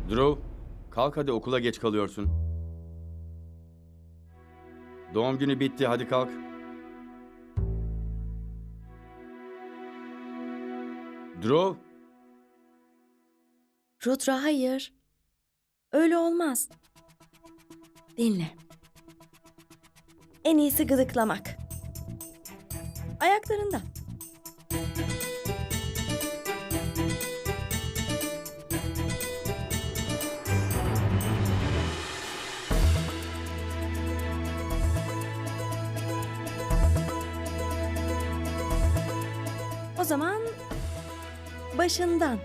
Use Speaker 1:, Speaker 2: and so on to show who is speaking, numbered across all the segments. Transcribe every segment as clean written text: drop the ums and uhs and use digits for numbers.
Speaker 1: Drew, kalk hadi okula geç kalıyorsun. Doğum günü bitti, hadi kalk. Drew,
Speaker 2: Rudra hayır. Öyle olmaz. Dinle. En iyisi gıdıklamak. Ayaklarından. O zaman başından.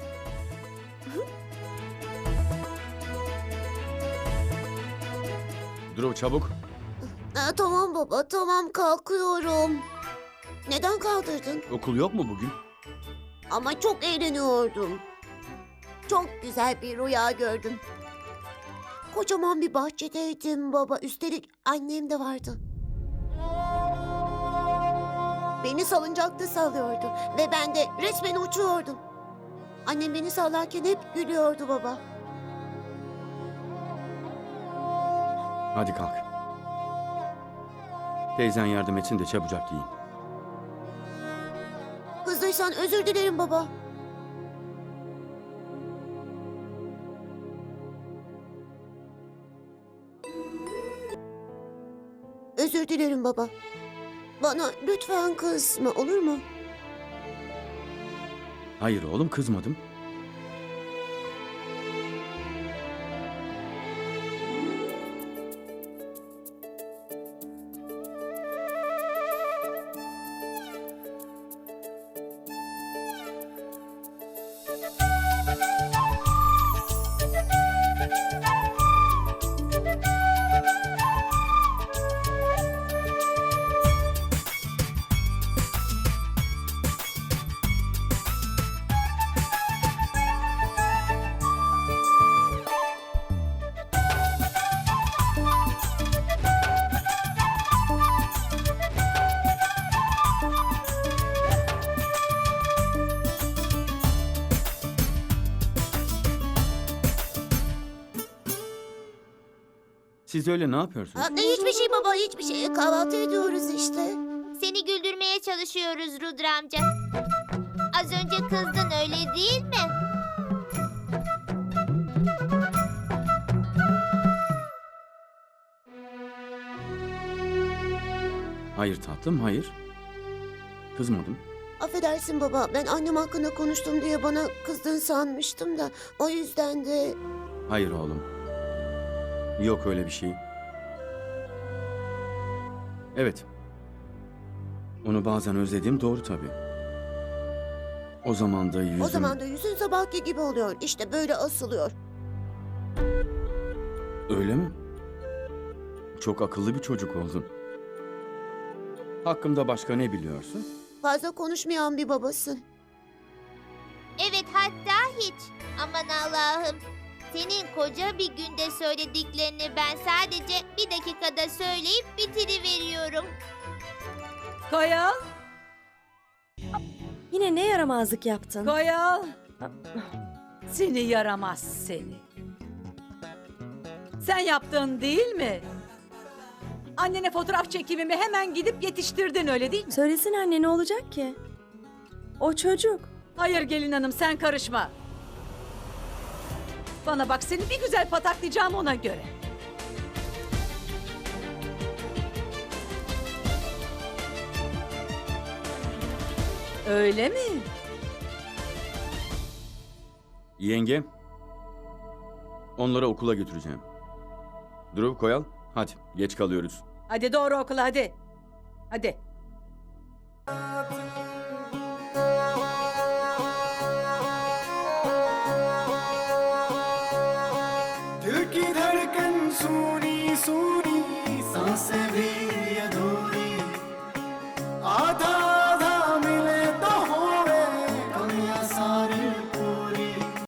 Speaker 1: Drew çabuk.
Speaker 3: Tamam baba, tamam kalkıyorum. Neden kaldırdın?
Speaker 1: Okul yok mu bugün?
Speaker 3: Ama çok eğleniyordum. Çok güzel bir rüya gördüm. Kocaman bir bahçedeydim baba. Üstelik annem de vardı. Beni salıncakta sallıyordu ve ben de resmen uçuyordum. Annem beni sallarken hep gülüyordu baba.
Speaker 1: Hadi kalk. Teyzen yardım etsin de çabucak giyin.
Speaker 3: Kızdıysan özür dilerim baba. Özür dilerim baba. Bana lütfen kızma, olur mu?
Speaker 1: Hayır oğlum, kızmadım. Siz öyle ne yapıyorsunuz?
Speaker 3: Hiçbir şey baba, hiçbir şey. Kahvaltı ediyoruz işte.
Speaker 4: Seni güldürmeye çalışıyoruz Rudra amca. Az önce kızdın öyle değil mi?
Speaker 1: Hayır tatlım, hayır. Kızmadım.
Speaker 3: Affedersin baba, ben annem hakkında konuştum diye bana kızdın sanmıştım da. O yüzden de...
Speaker 1: Hayır oğlum. Yok öyle bir şey. Evet. Onu bazen özlediğim doğru tabii. O zaman da yüzüm...
Speaker 3: O zaman da yüzün sabahki gibi oluyor. İşte böyle asılıyor.
Speaker 1: Öyle mi? Çok akıllı bir çocuk oldun. Hakkımda başka ne biliyorsun?
Speaker 3: Fazla konuşmayan bir babasın.
Speaker 4: Evet, hatta hiç. Aman Allah'ım. Senin koca bir günde söylediklerini ben sadece bir dakikada söyleyip bitiriveriyorum.
Speaker 5: Koyal,
Speaker 2: Yine ne yaramazlık yaptın?
Speaker 5: Koyal. Seni yaramaz seni. Sen yaptın değil mi? Annene fotoğraf çekimimi hemen gidip yetiştirdin öyle değil mi?
Speaker 2: Söylesin anne, ne olacak ki? O çocuk.
Speaker 5: Hayır gelin hanım sen karışma. Bana bak seni bir güzel pataklayacağım ona göre. Öyle mi?
Speaker 1: Yenge. Onları okula götüreceğim. Drew, Koyal, hadi geç kalıyoruz.
Speaker 5: Hadi doğru okula hadi. Hadi.
Speaker 6: दिल की धड़कन सुनी सुनी सांसें भी